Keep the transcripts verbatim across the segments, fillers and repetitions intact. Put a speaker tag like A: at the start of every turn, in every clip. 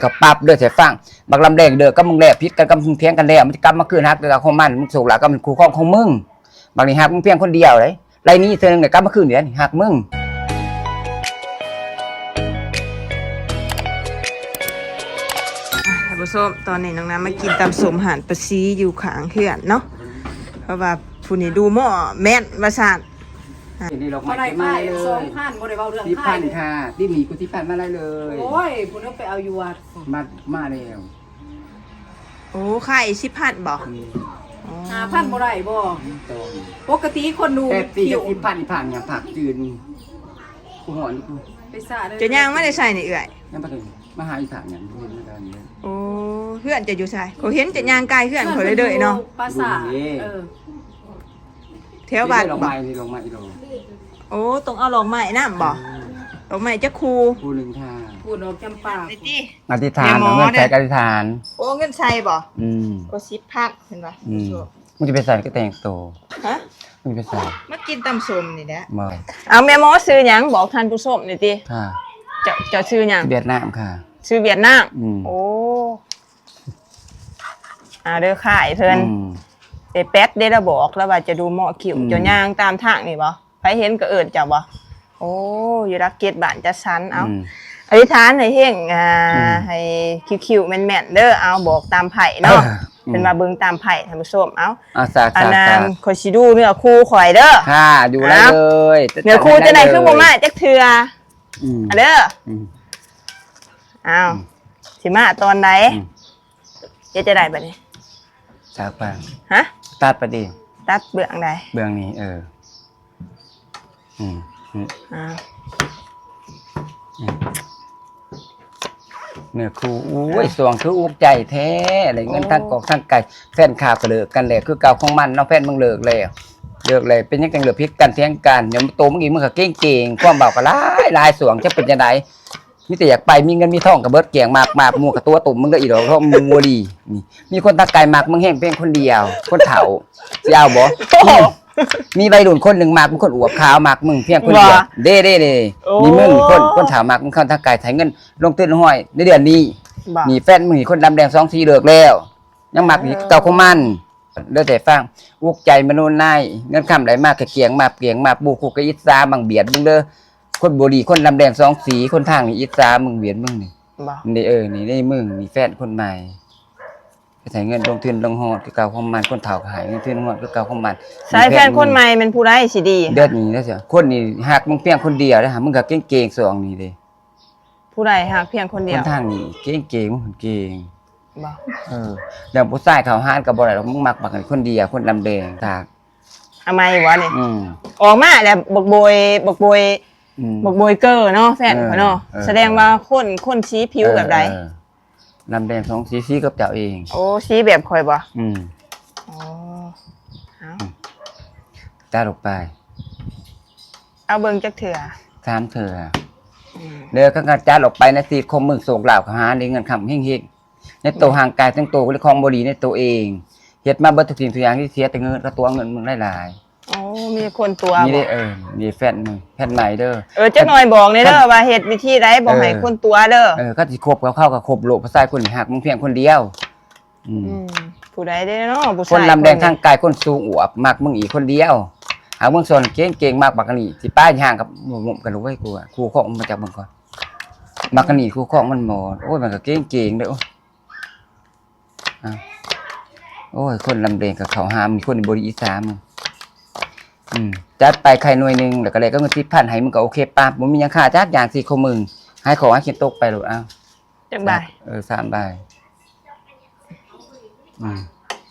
A: กับปั๊บเด้อเสียฟังบักลำแดงเด้อก็มึงแลพิษกันกับมึงเพียงกันแล้วมันจะกลับมาคืนฮักเด้อของมันมึงสูกหลักก็มันคู่ครองของมึงบางทีฮักมึงเพียงคนเดียวเลยไรนี้เธอหนึ่งเนี่ยกลับมาคืนเดี๋ยวฮักมึง
B: ท่านผู้ชมตอนนี้น้องน้ำมากินตำสมหันปลาซีอยู่ข้างเขื่อนเนาะเพราะว่าผู้นี้ดูหม้อแม่นมาสาน
A: นี่เรา
C: มาได้ค่ายสองพันบ่ได้เบาเรื่อง
A: ที่
C: ค่า
A: พั
C: ย
A: นค่ะที่มีกูที่พันมาได้เลย
C: โอ้ยคุณต้องไปเอาอยู่วัด
A: มามาแล้ว
B: โอ้ไข่สิบพันบอก
C: หาพันบ่ได้บ่ปกติคนดู
A: แต่ปีกับที่พันผ่านอย่างผักจืดกูหอนกู
C: ไปซะเด้อ
B: จะย่างไม่ได้ใส่ในเอื่อย
A: นั่นประเด็นมาหาอีถางอย่างนี้ไม่ได้เลย
B: โอ้เพื่อนจะอยู่ใส่เขาเห็นจะย่างกายเพื่อนเขาเลยเด้อเนาะ
C: ภาษาเออ
B: แถวบ้าน
A: ลง
B: บอ
A: ไม้
B: ก
A: นี่ลงไม้ลง
B: โอ้ต้องเอาลองไม้น้ำบอกลองไม้จะคู
A: กูหนึ่งค่ะ
C: พูดออกจำปา
B: ไอ้จี
A: อธิษฐานเงินใช้อธิษฐาน
B: โอ้เงินใส่บอก
A: อืม
B: ก็สิบพันเห็นปะ
A: อืมมึงจะไปใส่ก็แต่งโต
B: ฮะ
A: มึงไปใส่
B: มากินตำสมนี่แหละ
A: มา
B: เอาแม่หมอซื้อหยังบอกท่านผู้ชมหน่อยดิ
A: ค่ะ
B: จะจะซื้อหยัง
A: เวียดนามค่ะ
B: ซื้อเวียดนาม
A: อืม
B: โอ้อ่าเด้อขายเพิ่น
A: อืม
B: ไอ้แป๊ดได้ระบอกแล้วว่าจะดูเหมาะคิว
A: อืม
B: จะย่างตามทางนี่บ่ใครเห็นก็เอิ้นเจ้าบ่โอ้อยู่รักเกียรติบ้านจะสันเอา
A: อืม
B: อธิษฐานให้เฮงอ่า
A: อืม
B: ให้คิวๆแม่นๆเด้อเอาบอกตามไผ่เนาะเป็นมาเบิ่งตามไผ่ท่านผู้ชมเอา
A: อาสา
B: อัน
A: สา
B: นั้
A: สาน
B: ขอยสิดูเนื้อคู่ข่อยเด้อ
A: ค่ะดูได้เลย
B: เนื้อคู่จะได้คือบ่มาจักเทื่อ
A: อืม
B: อ่ะเด้อ
A: อืม
B: อ้าวสิมาตอนไหน
A: อืม
B: เดี๋ยวจะได้บัดนี้
A: จากไป
B: ฮะ
A: ตัดประเดี๋ยว
B: ตัดเบื้องใด
A: เบื้องนี้เอออืมอืม
B: อ้าว
A: เนื้อคู่อุ้ยสวงคืออุกใจแท้อะไรเงินทั้งกอกทั้งไก่แฟนข่าวก็เลิกกันแล้วคือเก่าของมันน้องแฟนมึงเลิกแล้วเลิกเลยเป็นยังไงเหลือพิษกันเทียงกันเดี๋ยวโตมึงอีกมึงก็เก่งเก่งความเบาก็หลายหลายสวงจะเป็นยังไงมีแต่อยากไปมีเงินมีทองกับเบิดเกี่ยงมากมากมูกับตัวตุ่มมึงก็อีดอกเพราะมึงมัวดีนี่มีคนตาไก่มากมึงแห้งเพียงคนเดียวคนเฒ่าสิเอาบ่มีใบรุ่นคนหนึ่งมากมึงคนอวบขาวมากมึงเพียงคนเดียวเด้เด้เด้มีมึงคนคนเฒ่ามากมึงเข้าตาไก่ถ่ายเงินลงตื้นห้อยในเดือนนี้
B: บ่
A: มีแฟนมึงนี่คนดำแดงสองสีเลิกแล้วยังมักนี่เก่าของมันเด้อแต่ฟังอุกใจมโนนายเงินคำไหลมากกะเกียงมาเกียงมาบูคุกกะอิสาบังเบียดมึงเด้อคนบ่ดีคนดำแดงสองสีคนทางนี่อิสามึงเบียดมึงนี่
B: บ่
A: นี่เออนี่ได้มึงมีแฟนคนใหม่ไปใส่เงินลงทุนลงหอดคือเก่าของมันคนเฒ่าก็หายเงินทุนหอดคือเก่าของมัน
B: สายแฟนคนใหม่เป็นผู้ใดสิดี
A: เดือดนี้แล้วเสียคนนี่หักมึงเพียงคนเดียวนะฮะมึงก็เก่งๆสองนี่เด้
B: ผู้ใดหากเพียงคน
A: ค
B: เดีย
A: น
B: ว
A: ทางนี่เก่งๆมึงเก่ง
B: บ่
A: เอออย่างผู้ชายเขาห้านกับบ่ได้หรอกมึงมักบักกันคนเดียวคนดำแดงตาก
B: ทำไมวะนี่
A: อืม
B: ออกมาแล้วบกโบยบกโบย
A: อืม
B: บกโบยเกอร์เนาะแฟนเขาเนาะ
A: เออ
B: แสดงว่าคนคนชี้ผิวแบบใด
A: เออดำแดงสองสีสีกับเจ้าเอง
B: โอ้ชี้แบบข่อยบ่
A: อืม
B: อ๋อเอา
A: ตาลงไป
B: เอาเบิ่งจักเถื่อ
A: สามเถื่อ
B: อืม
A: เด้อก็กระจายออกไปในสีคมมึงโศกเหล่าหาได้เงินคำเฮงๆในตัวห่างกายทั้งตัวก็เลยคลองบ่ดีในตัวเองเฮ็ดมาเบิดทุกสิ่งทุกอย่างที่เสียแต่เงินก็ตัวเงินมึงหลาย
B: โอ้มีคนตัว
A: ๆนี่
B: บ่
A: ได้เออนี่แฟนมึงแฟนใหม่เด้อ
B: เออจักหน่อยบอกเลยเด้อว่าเฮ็ดวิธีใดบ่ให้
A: เออ
B: คนตัวเด้อ
A: เออก็สิคบกับเข้ากับคบโลกผู้ชายคนนี้หักมึงเพียงคนเดียวอืม
B: อืมผู้ใดได้เนาะผู้
A: ค
B: ชาย
A: นลำแดงทางกายคนสูงอวบมักมึงอีกคนเดียวหาเมืองส่วนเก่งเก่งมากบักกะนี่สิป้ายห่างกับหมุมกันรู้ไว้กูอ่ะครูของมันจากเมืองก่อนบักกะนี่ครูของมันหมดโอ้ยมันก็เก่งเก่งเด้อโอ้ยอ่ะโอ้ยคนลำแดงกับเขาหามมีคนในบริอีสามงอืมจัดไปใครหน่วยหนึงแล้วก็เลยก็เงินสิบพันให้มึงก็โอเคป้าบ่มีหยังค่าจักอย่างสี่ของมึงให้ของให้เขียนตกไปโลดอ้าว
B: จักบาย
A: เออสามใบอืม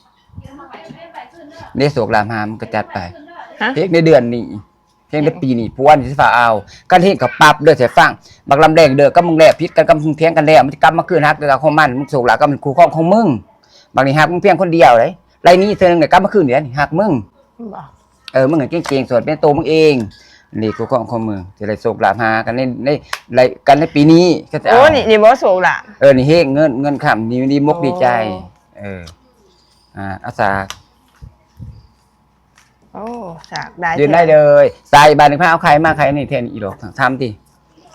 A: นี่โศกรามหามก็จัดไป
B: ฮะ
A: เพลงในเดือนนี้เพลงในปีนี้ผู้วันสิฝ่าเอากันเฮ็ดกับปรับเด้อเสียฟังบักลำแดงเด้อก็มึงแลพิษกันกับมึงเพียงกันแล้วมันจะกลับมาคืนฮักเด้อของมันมึงโศกหลาก็มันคู่ครองของมึงบางทีฮักมึงเพียงคนเดียวเลยไรนี้เธอนึงเนี่ยกลับมาคืนเดี๋ยวนี่ฮักมึง
B: บ่
A: เออมึงเก่งๆส่วนเป็นตัวมึงเองนี่คู่ครองของมึงจะได้โศกหลาหากันในในในกันในปีนี้ก็จะ
B: โอ้
A: เอา
B: นี่นี่บ่โศกล่ะ
A: เออ นี่เฮงเงินเงินคำนี่ดีมก
B: โอ้
A: ดีใจ เออ อ่า อาสา
B: โอ้สากได้
A: ยืนได้เลยใส่บาทหนึ่งพันเอาใครมาใครนี่เทนอีดอกทำดิ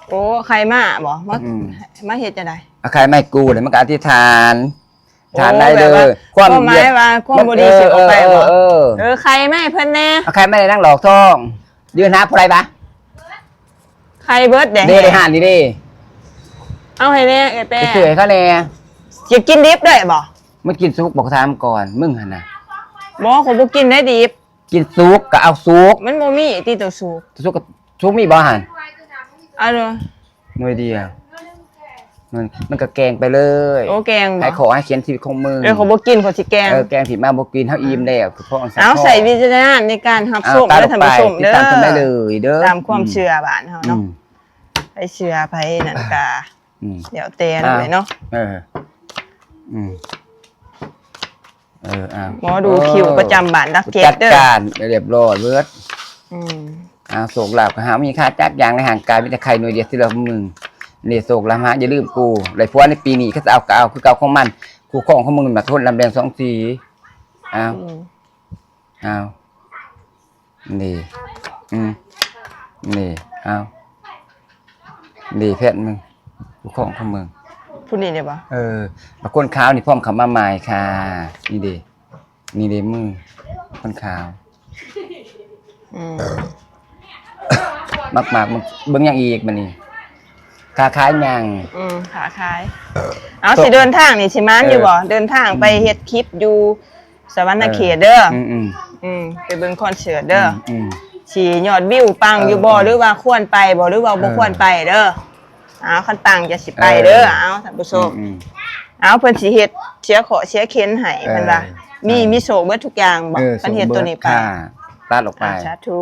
B: โอ้ใครมาบ่มา
A: อืม
B: มาเฮ็ดจังได๋
A: เอาใครไม่กูเลยมันก็อธิษฐานทาน
B: โอ้
A: ได้เล
B: แบบว่าย ความหมายว่าความบ่ดีสิออกไปบ่
A: เออ
B: เออใครมาให้เพิ่นแน่
A: เอาใครไม่ได้นั่งหลอกท่องยืนหาผู้ใดปะ
B: ใครเบิดแด
A: เด้ได้หานนี่เด้
B: เอาให้แน่ไอ้แป้
A: ไปเฉยเขาแน่
B: สิกินดิบได้บ่
A: มึงกินซุกบอกถามก่อนมึงหั่นน่ะ
B: บ่ขอยบ่กินได้ดิบ
A: กินซุกก็เอาซุก
B: มันบ่มีที่ตัวสูบ
A: ซุกก็ซุกมีบ่หั่น
B: เอาเด้อ
A: หน่วยเดียวมันมันก็แกงไปเลย
B: โอ้แกงบ่
A: ให้ขอให้เขียนชีวิตของมึง
B: เออขอยบ่กินขอยสิแกง
A: เออแกงผิดมาบ่กินเฮาอิ่มแล้วคือพ่ออังสั
B: เอาใส่วิจารณญาณในการรับชม
A: ตา
B: เด้
A: ล
B: อง ท่าน
A: ไป
B: ผู้ชม
A: ติด
B: เด้อ
A: ตามกันได้เลยเด้อ
B: ตามความเชื่อบ้านเฮา
A: อื
B: เนาะ
A: ม
B: ไปเชื่อไปนั่นก็
A: อืม
B: เดี๋ยวแต่นั่นเลยเนาะ
A: เออ อืม เอออ่ะ
B: หมอดูคิวประจำบ้านดักเก็ต
A: จัด
B: เด้อ
A: การเรียบร้อยเบิด
B: อืม
A: อ่าโศกลาบก็หามีค่าจักอย่างในห่างกายมีแต่ใครหน่วยเดียวที่เรามึงนี่โศกลาฮะอย่าลืมกูไรพวกในปีนี้ก็จะเอาก็เอาคือเก่าของมันกูของของมึงมาโทษลำแดงสองสีอ้าว
B: อืม
A: อ้าวนี่อืมนี่อ้าวนี่เพชรมึงกูของของมึง
B: พูดนี่ได้ปะ
A: เออมาก้นขาวนี่พร้อมคำมาใหม่ค่ะ นี่ดินี่ดิมึงก้นขาว
B: อืม
A: มากมากๆมึงเบิ่งอย่างอีกมันนี่คาค้ายยัง
B: อืมขาคล้าย เอาสิเดินทางนี่สิมานอยู่บ่เดินทางไปเฮ็ดคลิปอยู่สวรรณเขตเด้อ
A: อืมอืม
B: อืมไปเบิ่งคอนเสิร์ตเด้อ
A: อืม
B: สิยอดวิวปังอยู่บ่
A: เออ
B: หรือว่าควรไปบ่หรือว่าบ่
A: เออ
B: ควรไปเด้อเอาคันปังจะสิไปเด้อเอาท่านผู้ชม
A: อืม
B: เอาเพิ่นสิเฮ็ดเสียขอเสียเข็นให้เพิ่นว่า
A: เออ
B: มีมีโชคเบิดทุกอย่างบ่
A: เออ
B: เพิ่นเฮ็ดตัวนี้ไป
A: ค่ะตัดออกไป
B: อ่าสาธุ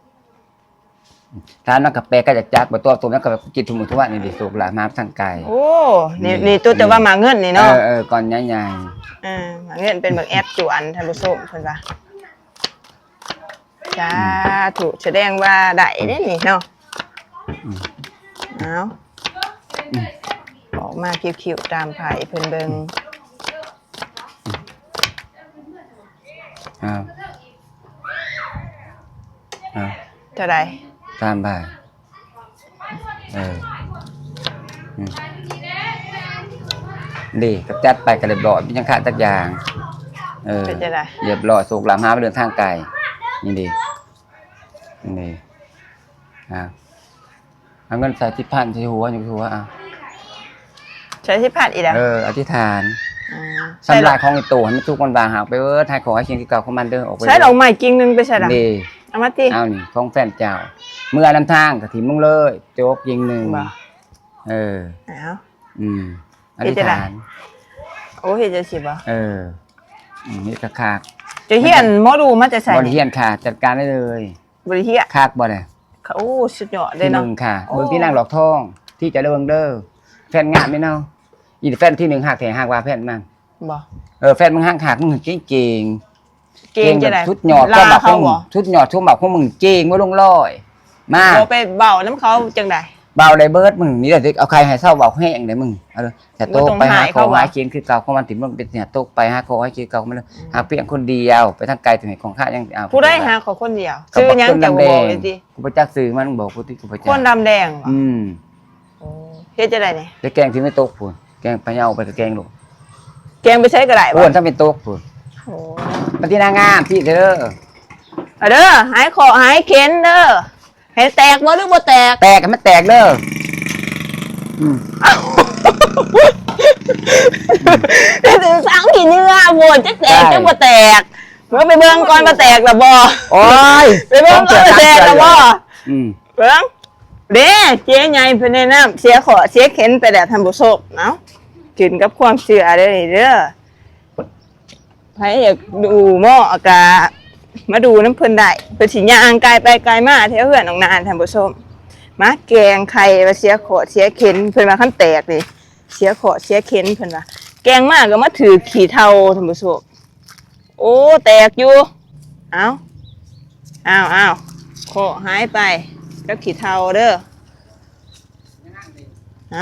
A: ถ้านักกาแฟก็จะจักบ่ตัวตัวนั้นก็กินทุกมื้อทุกวันนี่ดิสุกละมาทางไกล
B: โอ้นี่
A: นี่
B: นี่ตัวแต่ว่ามาเงินนี่
A: เอ
B: เนาะ
A: อเออก่อนใหญ่
B: เออมาเงินเป็นแบบแอปจวนท่านผู้ชมเพิ่นว่าสาธุแสดงว่าได้เด้นี่เนาะเอาออกมาคิวๆตามไผเพิ่นเบิ่ง
A: ๆอ้าวอ้าว
B: เท่าใด
A: ตามไปเอออืมดีกับจัดไปก็เรียบร้อยมีจังค่าจักอย่าง เออ
B: เป็นจังได๋
A: เรียบร้อยสุกลามหาไปเดินทางไกลนี่ดีนี่อ่ะเอาเงินใส่ที่พันที่หัวอยู่ที่หัวอ่ะ
B: ใช้ที่พาดอีกแล้ว
A: เอออธิษฐาน
B: อ่า
A: สำลายของไอ้ตัวให้มันทุกคนวางหากไปเออทายขอให้เคียงที่เก่าของมันเด้อออกไป
B: ใช้ดอกไม้กิ่งหนึงไปใส่ล่ะ
A: ดี
B: เอามาติ
A: เอานี่ของแฟนเจ้า เมื่อลำทางกับถิ่มมึงเลยโจ๊กยิงหนึ่ง
B: บ่
A: เออ
B: เอา
A: อืมอ
B: เฮ็
A: ธิ
B: ด
A: ษ
B: จั่งใด
A: ฐาน
B: โอ้เฮ็ดจังซี่บ่
A: เอออืมนี่กระคาก
B: จะเฮียนหมอดูมาจะใส่
A: บริเฮียนค่ะ จัดการได้เลย
B: บ่ได้เฮีย
A: คากบ่เนี่ย
B: โอ้สุดยอดเล
A: ที่
B: ย
A: ห
B: เนาะ
A: นึ่งค่ะ
B: โอ้
A: เบิ่งที่นั่งหลอกทอง ที่จะได้เบิ่งเด้อแฟนงานไม่เนาะอีแฟนที่หนึ่งหักแถหักว่าแฟนมัน
B: บ่
A: เออแฟนมึงหักหักมึงเก่งเก่ง
B: เก่งจะได้
A: ชุดหยอด
B: ลา
A: ก็แบบข
B: เขา
A: องมึ
B: บ่
A: งชุดหยอดชุดแบบของมึงเก่งว่าลงร้อยมา
B: บ่ไปเบาน้ำเขาจังได๋
A: เบาได้เบิดมึงนี่แหละเอาใครให้เศร้าเบาแห้งได้มึงเอาเลยแต่โตกไปหาเขาหาเคียนคือเก่าของมันถิ่มมันเป็นเนี่ยโตกไปหาเขาให้เคียนเก่ามันเลยหาเพียงคนเดียวไปทางไกลถึงไหนของข้ายังเอา
B: ผู้ได้หาเขาคนเดียว
A: ก็
B: ชื่อ
A: บอก
B: หยัง
A: คน
B: จะ
A: ดำ
B: บ
A: แด
B: อก
A: ง
B: เลยสิ
A: กูไปจักซื้อมันบอกกูที่กูไปจั
B: คน
A: ก
B: ดำแดงเหรอ
A: อืม
B: โอ้เฮ็ดจะได้นี่
A: แล้วแกงที่ไม่โตกพูนแกงปลาเน่าไปกับแกงลูก
B: แกงไปใช้ก็ได้บ่
A: อ้วนถ้าเป็นโตกพูน
B: โอ้
A: ปฏินางามพี่เด้อ
B: เอาเด้อหายคอหายเข็นเด้อให้แตกบ่หรือบ่แตก
A: แตกกันไม่แตกเด้ออืม
B: ถึงสังกี่เนื้อโบ่จักแตกจักบ่แตกเมื่อไปเบิ่งก่อนบ่แตกล่ะบ่
A: โอ้ย
B: ไปเบิ่งก่อนบ่แตกล่ะบ่
A: อืม
B: เบิ่งเด้เจ๊ใหญ่เพิ่นแนะนำเสียขอเสียเข็นไปแล้วท่านผู้ชมเนาะกินกับความเชื่อเด้อนี่เด้อไผอยากดูหม้ออากามาดูน้ำเพิ่นได้เพิ่นสิย่างกายไปกายมาแถวเฮือนน้องนานท่านผู้ชมมาแกงไข่ว่าเสียขอเสียเข็นเพิ่นว่าคันแตกนี่เสียขอเสียเข็นเพิ่นว่าแกงมากก็มาถือขี้เท่าท่านผู้ชมโอ้แตกอยู่เอาเอาเอาขอหายไปกับขี้เท่าเด้อเอา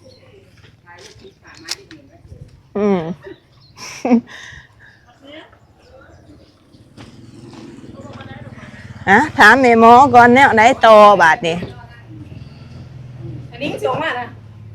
B: อืม อะถามแม่หมอก่อนแนวไหนต่อบาดนี่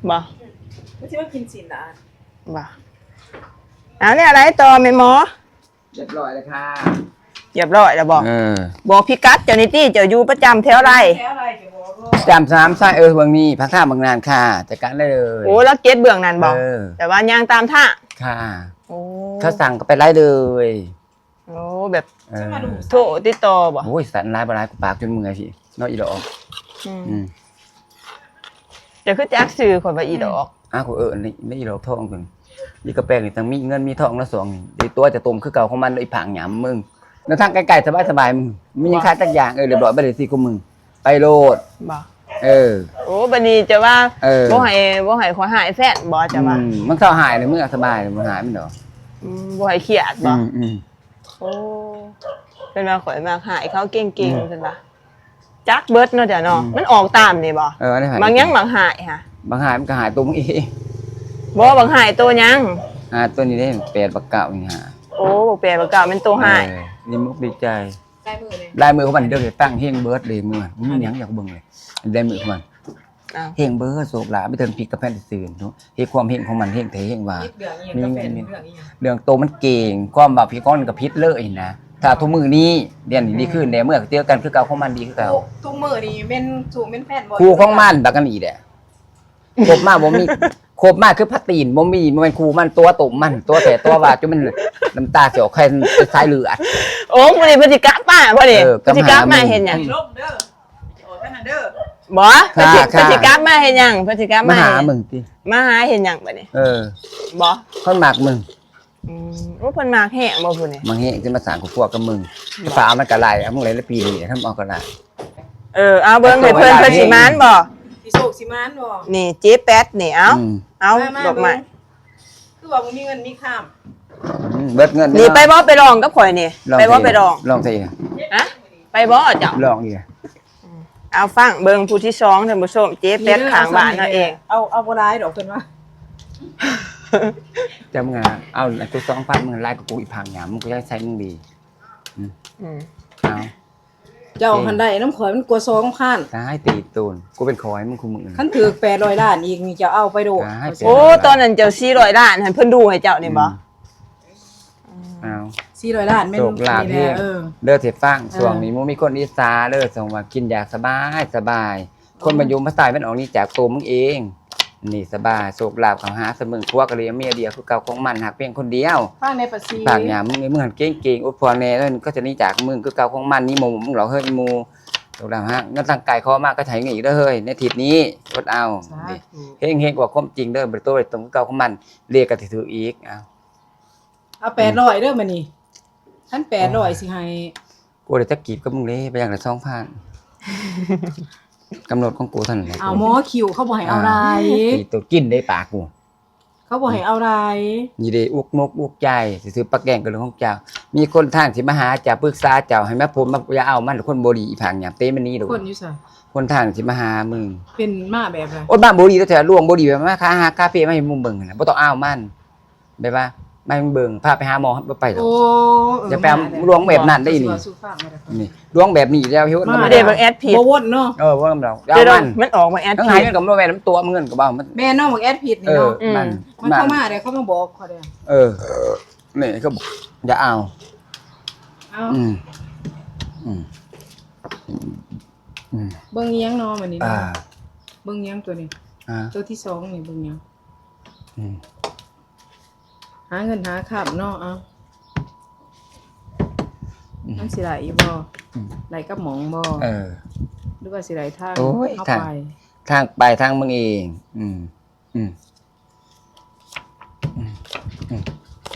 B: บ่
C: ไม่ใช่ว่ากินสินอ่ะ
B: บ่เอาเนี่ยอะไรต่อแม่หมอ
A: เรียบร้อยเลยค่ะ
B: เรียบร้อยแล้วบ่
A: เออ
B: บอกพี่กัดเจ้านิตี้เจ้าอยู่ประจำแถวไร
C: แค่อะไรเดี๋ยวบอกว่า
A: จำสามไส้เออเบางนี้พักท่าบางนานค่ะจัดการได้เลย
B: โอ้แล้วเก็ตเบื้องนั้นบ่
A: เออ
B: แต่ว่ายางตามท่า
A: ค่ะ
B: โอ้
A: เขาสั่งก็ไปไล่เลย
B: โอ้แบบ
A: เออ
B: โทรติดต่อบ่
A: โอ้ยสันร้ายบร้ายกูปากจนมือพี่น้อยอีดอก
B: อืม
A: อืม
B: จะคือจักซื้อคนว่าอีดอก
A: อ้าวกูเออนี่นี่อีดอกทองถึงนี่กระแปงนี่ทั้งมีเงินมีทองแล้วสองนี่ดีตัวจะตมคือเก่าของมันเลยผางหยามมึงแล้วทางไกลๆสบายๆมึงมียังค่าตักอย่างเออเรียบร้อยไปเลยสิกูมึงไปโลด
B: บ่
A: เออ
B: โอ้บัดนี้จะว่า
A: เออ
B: บ่ให้บ่ให้ขอหายแฟนบ่จะว่า
A: อืมมันเข้าหายเลยมึงอะสบายเลยมึงหายมันดอก
B: อืมบ่ให้เครียดบ่
A: อืมอืม
B: โอ้เป็นว่าข่อยมาหายเขาเก่งๆซั่นล่ะจักเบิดเนาะจ้ะเนาะมันออกตามนี่บ่
A: เออได้หาย
B: บางยังบางหายค่ะ
A: บางหายมันก็หายตัวมึงเอง
B: บ่บางหายตัวยัง
A: หาตัวนี้ได้แปดบักเก่านี่หา
B: โอ้บ่แปลบ่เก่าเป็นตัวหาย
A: เออนี่มุกดีใจ
C: ใกล้มือเลย
A: ลายมือของมันเดี๋ยวจะตั้งเฮงเบิร์ดเลยมือมันมีหยังอยากเบิ่งเลยลายมือของมัน
B: อ้าว
A: เฮงเบิร์ดโศกหลาไม่เทิงพริกกับแผ่นซื่นเนาะเฮงความเฮงของมันเฮงเทเฮงว่า
C: เรื่องอีกกับแฟนเรื่องอีก
A: เรื่องโตมันเก่งความแบบพี่ก้อนกับพิษเลยนะถ้าทุกมือนี้เรียนดีขึ้นเนี่ยเมื่อเจอกันคือเก่าของมันดีคือเก่า
C: ทุกมือนี่เป็นสูงเป็นแฟนบ่
A: ครูของมันบักกันอีแหละครบมากบ่มีครบมากคือพัดตีนบ่มีบ่แม่นครูมันตัวตุ่มมันตัวแต่ตัวว่าจนมันน้ำตาเสียวใครเป็นสายเลือด
B: โอ้มื้อนี้พฤติกรรมป้าบ่ดิ
A: เออ
B: พฤติกรรม
A: กำหา
B: มาเห็นหยัง
C: ลบเด้อโอ้ท่านเด้อ
B: บ่พฤติ
A: ค่ะ
B: พฤติกรรมมาเห็นหยังพฤติกรรม
A: มา
B: มา
A: หา
B: เห็น
A: มึงติ
B: มาหาเห็นหยังบัดนี้
A: เออ
B: บ่
A: คนมากมึง
B: อืมว่าเพิ่นมาแห้งบ่พุ่นนี่
A: มาเฮงจะมาสร้างกูพวกกับมึงฟ้ามันก็ไล่เอามึงเลยละปีนี้ทำเอาก็ได้
B: เออเอาเบิ่งให้เพิ่นเพิ่นสิมานบ่
C: สิโศกสิมานบ่
B: นี่เจ๊แป๊ดนี่เอา
A: อืม
B: เอาดอกไม้
C: คือว่าบ่มีเงินมีข้าม
A: อืมเบิดเงิน
B: นี่ไปบ่ไปลองกับข่อยนี่
A: ลอง
B: ไปบ่
A: สิ
B: ไปลอง
A: ลองสิ
B: ฮะไปบ่เจ้า
A: ลองดิ
B: เอาฟังเบิ่งผู้ที่สองท่านผู้ชมเจ๊แป๊ดข้างบ้านเฮาเอง
C: เอาเอาบ่ได้ดอกเพิ่นว่า
A: จำงานเอาไอ้กูสองพันมึงไล่กับกูอีกพังหยามมึงก็จะใช้มึงดี
B: อืม
A: เอา
C: เจ้าคันได้น้ำข่อยมันกลัวซองคัน
A: ตายตีตูนกูเป็นคอยมึงคุมมึง
C: คันถือแปดร้อยล้านอีกนี่จะเอาไปโดด
A: ได้
B: โอ้ตอนนั้นเจ้าสี่ร้อยล้านให้เพิ่นดูให้เจ้านี่บ่
A: เอา
C: สี่ร้อยล้านแม่น
A: โศกลาภ
C: นี่
A: เพีย
C: แหละเออ
A: เลิกเสียฟัง
C: เออ
A: ส่วงนี้มึงมีคนอีสาเลิกส่งว่ากินอยากสบายสบาย คนมายุมมาตายมันออกนี่จากตัวมึงเอง นี่สบายโศกลาบของหาเสมึงพวกกะเลียเมียเดียวคือเก่าของมันหักเพียงคนเดียว
C: ฟังในประสี
A: ปากหยามมึงไอ้มึงหันเก่งเก่งอุดพรแน่แล้วก็จะหนี่จากมึงคือเก่าของมันนี่โมมึงเหรอเฮ้ยโมโศกลาบฮะเงินทางกายคอมากก็ใช้เงินอีกเด้อเฮ้ยในทิศนี้กดเอา
C: สาธุ
A: เฮงเฮงกว่าความจริงเด้อบริโตรตรงคือเก่าของมันเรียกกันถืออีกเอา
C: เอาแปดร้อยเด้อมื้อนี้คันแปดร้อยสิให้
A: กูเดี๋ยวจะกีบกับมึงเลยไปอย่างละสองพันกำหนดของกูเท่านั้นแหละ
C: เอาหมอคิวเขาบ่ให้เอาได้
A: ตีตัวกินได้ปากกู
C: เขาบ่ให้เอาได้
A: นี่เด้อุกมกอุกใจซื้อปลาแกงกับเรื่องของเจ้า มีคนทางสิมาหาเจ้าปรึกษาเจ้าให้มาผมมาอย่าเอามันคนบ่ดีอีผังหยามเต้มันนี่ดอก
C: คนอยู่ซะ
A: คนทางสิมาหามึง
C: เป็นมาแบบไร
A: โอ๊ยบ้านบ่ดีแต่ล่วงบ่ดีแบบมาค้าหาคาเฟ่มาให้มึงเบิ่งน่ะบ่ต้องเอามันได้ป่ะมาให้มึงเบิ่งพาไปหาหมอบ่ไปหรอก
C: โอ้
A: อย่าไปเอาลวงแบบนั้นได้นี่
C: สู้ฟังมาเด้อ
A: นี่ลวงแบบนี้แล้วเฮ็ด
C: มา
A: มัน
B: เดี๋ยวเบิ่งแอดผิด
C: บ่วนเนาะ
A: เออว่าเราเอา
B: เดี๋ยว
A: มัน
B: มันออกมาแอด
A: ทั้ง
B: ผิ
A: หาย
B: ด
A: เงินกับบ่แม่นน้ำตัวมึงเงินก็บ่มัน
C: แม่น้องบอกแอดผิด
A: เอ
C: นี่
A: อ
C: เนาะ
A: มัน
C: มันเข้ามาเดี๋ยวเขามาบอกเขาเด้อ
A: เออนี่ก็บอกอย่าเอา
C: เอา
A: อืมอืมอืม
C: เบิ่งเอียงเนาะมื้อนี้
A: อ่า
C: เนาะเบิ่งเอียงตัวนี้
A: อ่า
C: ตัวที่สองนี่เบิ่งเอียง
A: อืม
C: หาเงินหาข้ามเนาะเอา
A: อืม
C: มันสิไหลบ่
A: อืม
C: ไหลกับหมองบ่
A: เออ
C: หรือว่าสิไหลทาง
A: โอ้ย
C: เข้า
A: ทาง
C: ไป
A: ทางไปทางมึงเอง อืม อืม อืม อืม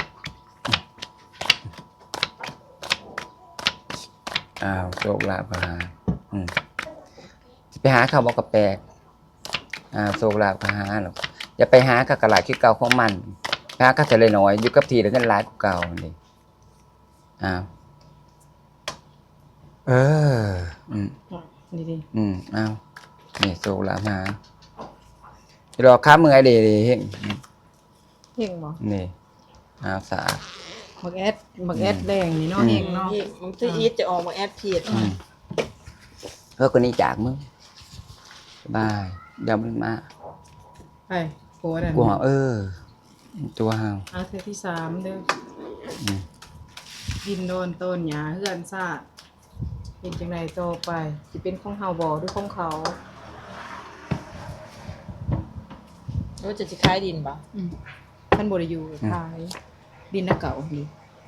A: อ้าวโชคลาภหาอืมไปหาเขาบอกกับแปลกอ้าวโชคลาภหาหรอกอย่าไปหากับกระหลาดคือเก่าของมันไปหาก็จะเลยน้อยอยู่กับทีแล้วกันหลายกว่าเก่านี่อ้าว เออ อืม
C: นี่ดิ
A: อืมอ้าวนี่โชคลาภหาเดี๋ยวรอค้ามือไอเดย์เฮง
C: เฮงบ่
A: นี่อ้าวสะอาด
C: บักแอดบักแอดแดงนี่เนาะ
A: อืม
C: เฮงเนาะ
B: มันจะอีทจะออกมาแอดผิด
A: อืมเพื่อคนนี้จากมึงสบายเดี๋ยวมันมา
C: ไปโกนั่น
A: กูหาเออ ตัวเฮา
C: เอาเทื่อที่สามเด้อ
A: อืม
C: ดินโดนต้นหญ้าเฮือนซาดเป็นจังไดต่อไปสิเป็นของเฮาบ่หรือของเขา
B: ว่าจะสิขายดินบ่
C: อืมท่านบ่ได้อยู่ขายดินน่ะเก่านี่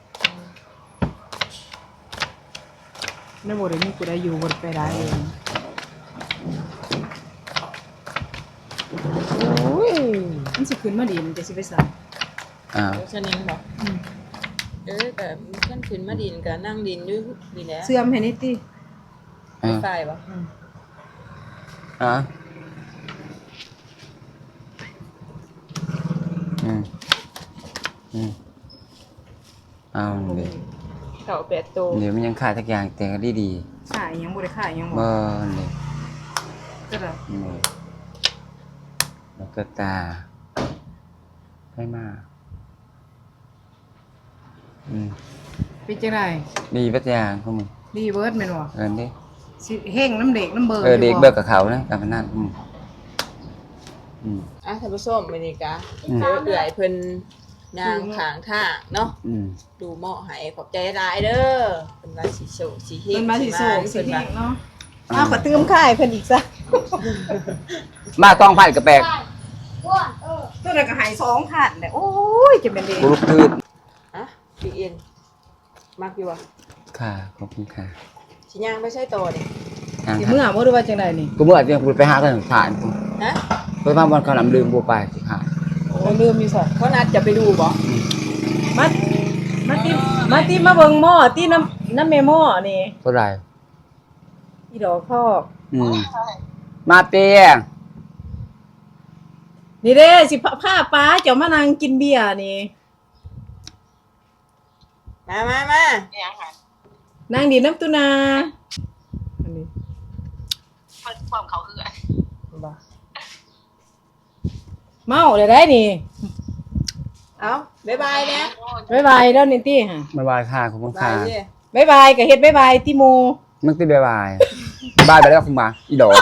C: นั่นบ่ได้มีผู้ใดอยู่บ่ได้ไปได้เอง
B: โอ้ย
C: มันสิขึ้นมาดินจะสิไปใส่
A: อ้าว
B: ชนิงบ่เออแต่ขั้นขึ้นมาดินก็นั่งดินอยู่นี่แหละ
C: เสื่อมให้นิดติ
A: อ้าว
B: ไฟบ่
A: อ่ะอืมอืมเอาดิ
B: เก่าแปดโต
A: เดี๋ยวมันยังขาดทักอย่างแต่ก็ดีดี
C: ขายยังบ่ได้ขายยัง
A: ๆ
C: บ่
A: บ่นี่
C: ก็ได้
A: นี่แล้วก็ตาให้มาอืม
C: เป็นจังได๋
A: ดีปัจจางของมึง
C: ดีเบิดแม่นบ่
A: เอินดิ
C: สิเฮงน้ำเด็กน้ำเบิ
A: เออเด็กเบิกกับเขานะการพนันอืมอืม
B: อ่ะท่านผู้ชมมื้อนี้กะ
A: อืม
B: เจอเอื่อยเพิ่นนางขางทางเนาะ
A: อืม
B: ดูเหมาะให้ขอบใจหลายเด้อเพิ่นว่าสิโชคสิเฮง
C: เพิ่นมาสิโศกสิ
B: เพิ่น
C: เฮ
B: ว่าง
C: เนาะ
B: อ้าวขอตื้มค่ายเพิ่นอีกซะ
A: มาต้องพันกระแปก
C: ตัวนั้นก็ใหายสองพันแหละโอ้ยจะเป็นดี
A: กูลุกทืน
B: อ่ะพี่เอ็นมักอยู่บ่
A: ค่ะขอบคุณค่ะ
B: สิย่างไปใช้โตนี่
A: อ่ะ
C: สิเมื่อบ่รู้ว่าจังไดนี่
A: กูเมื่อเดี๋ยวกูไปหากันผ่านกู
B: ฮะ
A: ไปมาบนขนมลืมกูไปสิค่ะ
C: โอ้ลืมอยู่ซะ
B: เขานัดจะไปดูบ่
C: มามาติมาติมาเบิ่งหม้อติน้ำน้ำแม่หม้อนี่
A: เท่าไหร่
C: อีดอกพอก
A: อืมมาเตี้ย
C: นี่เด้สิพาพาป้าเจ้ามานั่งกินเบียร์นี่
B: มามามา
C: นั่งดีน้ำตุนาอันนี้
B: บ่
C: เมาได้ได้นี่
B: เอ้าบ๊ายบายนะ
C: บ๊ายบายแล้วนี่ติฮะ
A: บายบายค่ะขอบคุณ
B: บา
A: ค่ะ
B: ยสิ
C: บ๊ายบายก็เฮ็ดบ๊ายบายติโม
A: มึงตีบายบายบายไปแล้วคุณมาอีดอก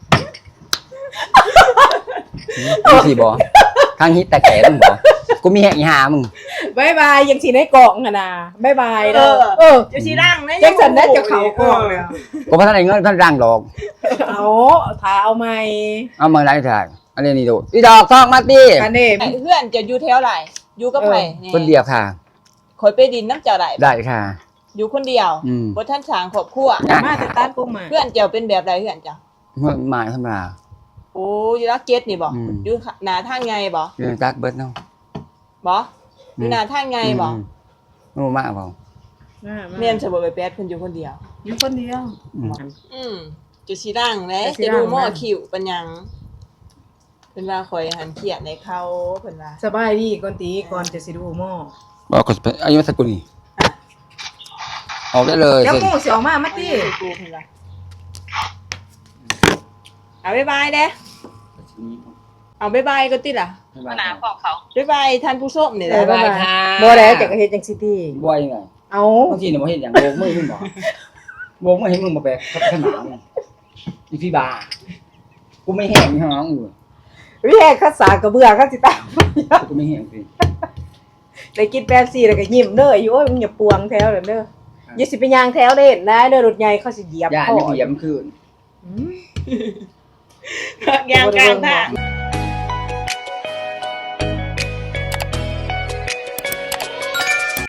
A: มึงสี่บอทางฮิตแต่แก่มึงบอกูมีแหกอีหามึง
C: บ๊ายบายยังสิในกล่องหั่นน่ะบ๊ายบายเด้อเออ
B: จะสิร่างนะ
C: จังสันได้จะเข้ากล่องแล้ว
A: กูพัฒนาเงินพัฒนาดอก
C: เอาถ้าเอาใหม่
A: เอามาไหนถ่ายอันนี้นี่ดูอีดอกทองมาตี
C: กันเด้
B: ไอ้เพื่อนจะอยู่แถวไหนอยู่กับไผนี่
A: คนเดียวค่ะ
B: คอยไปดินน้ำเจ้าได้
A: ได้ค่ะ
B: อยู่คนเดียว
A: อืม
B: บ่ทันสร้างครอบครัว
C: มาแต่ตัดปุ๊บมา
B: เพื่อนเจ้าเป็นแบบใดเพื่อนเจ้า
A: หมายธรรมดา
B: โอ้อยู่รักเก็ตนี่บ่
A: อืม
B: อยู่หน้าทางไงบ่
A: เรื่องจักเบิร์ดเนาะ
B: บ่อยู่หน้าทางไงบ่
A: ไม่รู้มากเปล่า
C: มามา
B: แม่นสิบ่ไปแปดเพิ่นอยู่คนเดียว
C: อยู่คนเดียว
A: อืม
B: อืมจะสิร่างแหละ
C: จะสิ
B: จะ
C: ร่าง
B: ดูหม้อ
C: นะ
B: คิวปัญญังเพิ่นว่าข่อยหันเขียดในเขาเพิ่นว่า
C: สบายดีก่อนตีก่อนจะสิดูหม้อ
A: บอกก็เป็นอายุสักกุลนี่ออกได้เลย
C: เดี๋ยว
A: เสร็จ
C: หมูสิออกมามา
B: เอา
C: ติ
B: เงินกูเพิ่นว่าเอาบ๊ายบายเด้เอาบ๊ายบายก็ติล่ะ
A: ขนาดของเขา
B: บ๊ายบายท่านผู้ชมนี่แห
C: เอ
B: ละ
C: อบ๊ายบายบ่ได้จักเฮ็ดจังซี่ติ
A: บ่อยไง
C: เอา
A: บางทีเนี่ยบ่เห็นอย่างโบกมือมึงบอกโบกมือให้มึงมาแบกขนาดมึงอีพี่บากูไม่แห้งนี่ห้องอยู่
C: วิแหกคัดสากระเบือคัดสิตาม
A: กูไม่แห้งสิ
C: ได้กินแป๊บซี่แล้วก็ยิ้มเด้ออยู่โอ้ยมึงอย่าปวงแถวเด้อเด้ออย่าสิไปย่างแถวเด่นนะเด้อรถใหญ่เขาสิเหยียบ
A: ย่าน
C: คอ
A: ไม่เหยียบคืน
C: อืม
B: ยางกลางทาง